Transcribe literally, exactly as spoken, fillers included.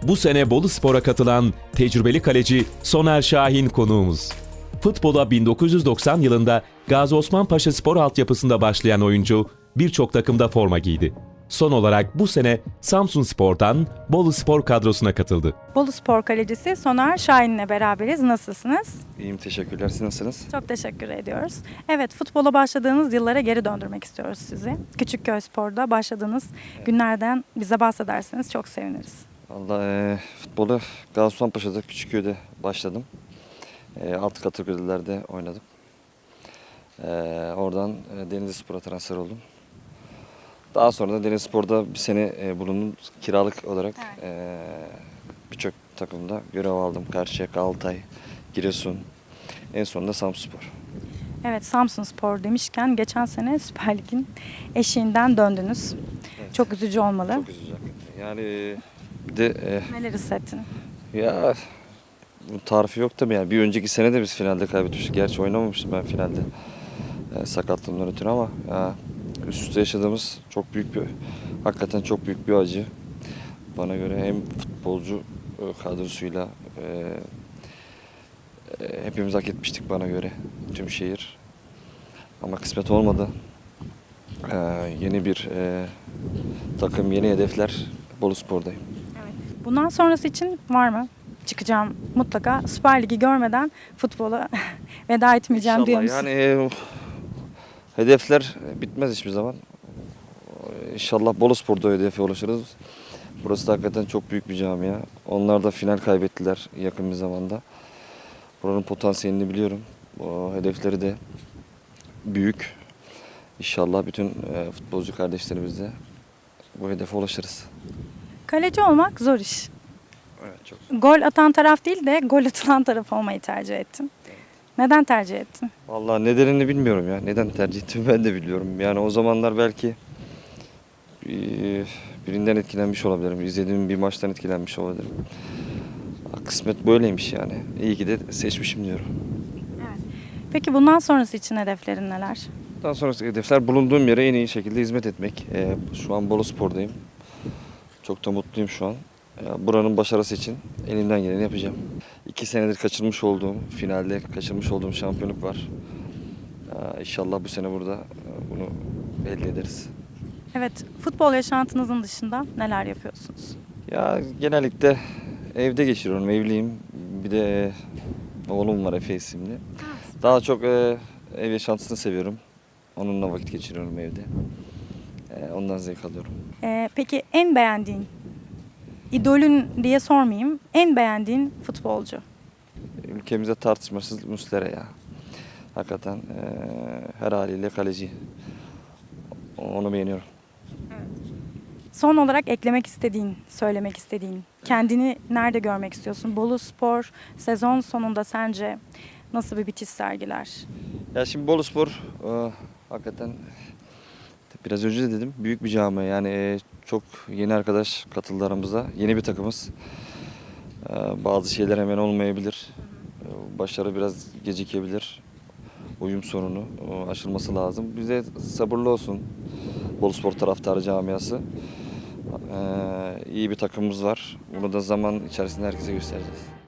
Bu sene Boluspor'a katılan tecrübeli kaleci Soner Şahin konuğumuz. Futbola bin dokuz yüz doksan yılında Gazi Osman Paşa Spor altyapısında başlayan oyuncu birçok takımda forma giydi. Son olarak bu sene Samsunspor'dan Boluspor kadrosuna katıldı. Boluspor kalecisi Soner Şahin'le beraberiz. Nasılsınız? İyiyim, teşekkürler. Siz nasılsınız? Çok teşekkür ediyoruz. Evet, futbola başladığınız yıllara geri döndürmek istiyoruz sizi. Küçükköy Spor'da başladığınız günlerden bize bahsederseniz çok seviniriz. Valla e, futbolu Gaziosmanpaşa'da, Küçükköy'de başladım. E, alt kategorilerde oynadım. E, oradan e, Denizlispor'a transfer oldum. Daha sonra da Denizlispor'da bir sene e, bulundum. Kiralık olarak e, birçok takımda görev aldım. Karşıyaka, Altay, Giresun, en sonunda Samsunspor. Evet, Samsunspor demişken geçen sene Süper Lig'in eşiğinden döndünüz. Evet. Çok üzücü olmalı. Çok üzücü hakikaten. Yani e, bir de e, Neler hissettin? ya bu tarifi yok tabii yani. Bir önceki sene de biz finalde kaybetmiştik. Gerçi oynamamıştım ben finalde e, sakatlığımdan ötürü ama ya, üst üste yaşadığımız çok büyük bir, hakikaten çok büyük bir acı. Bana göre hem futbolcu e, kadrosuyla e, e, hepimiz hak etmiştik bana göre tüm şehir. Ama kısmet olmadı. E, yeni bir e, takım, yeni hedefler. Boluspor'dayım. Bundan sonrası için var mı? Çıkacağım mutlaka. Süper Lig'i görmeden futbola veda etmeyeceğim diyor musun? Yani e, hedefler bitmez hiçbir zaman. İnşallah Boluspor'da hedefe ulaşırız. Burası da hakikaten çok büyük bir camia. Onlar da final kaybettiler yakın bir zamanda. Buranın potansiyelini biliyorum. O hedefleri de büyük. İnşallah bütün e, futbolcu kardeşlerimizle bu hedefe ulaşırız. Kaleci olmak zor iş. Evet, çok. Gol atan taraf değil de gol atılan taraf olmayı tercih ettin. Neden tercih ettin? Vallahi nedenini bilmiyorum ya. Neden tercih ettiğimi ben de biliyorum. Yani o zamanlar belki e, birinden etkilenmiş olabilirim. İzlediğim bir maçtan etkilenmiş olabilirim. Kısmet böyleymiş yani. İyi ki de seçmişim diyorum. Peki bundan sonrası için hedeflerin neler? Daha sonraki hedefler bulunduğum yere en iyi şekilde hizmet etmek. Ee, şu an Boluspor'dayım. Çok da mutluyum şu an. Ee, buranın başarısı için elimden geleni yapacağım. İki senedir kaçırmış olduğum, finalde kaçırmış olduğum şampiyonluk var. Ee, İnşallah bu sene burada e, bunu elde ederiz. Evet, futbol yaşantınızın dışında neler yapıyorsunuz? Ya genellikle evde geçiriyorum, evliyim. Bir de e, oğlum var Efe isimli. Daha çok e, ev yaşantısını seviyorum. Onunla vakit geçiriyorum evde. E, ondan zevk alıyorum. Ee, peki en beğendiğin, idolün diye sormayayım, en beğendiğin futbolcu? Ülkemizde tartışmasız Muslera ya. Hakikaten e, her haliyle kaleci. Onu beğeniyorum. Son olarak eklemek istediğin, söylemek istediğin, kendini nerede görmek istiyorsun? Boluspor sezon sonunda sence nasıl bir bitiş sergiler? Ya şimdi Boluspor e, hakikaten biraz önce de dedim büyük bir camia. Yani e, çok yeni arkadaş katıldı aramıza. Yeni bir takımız. E, bazı şeyler hemen olmayabilir. E, başarı biraz gecikebilir. Uyum sorunu e, aşılması lazım. Bize sabırlı olsun Boluspor taraftarı camiası. E, iyi bir takımımız var. Bunu da zaman içerisinde herkese göstereceğiz.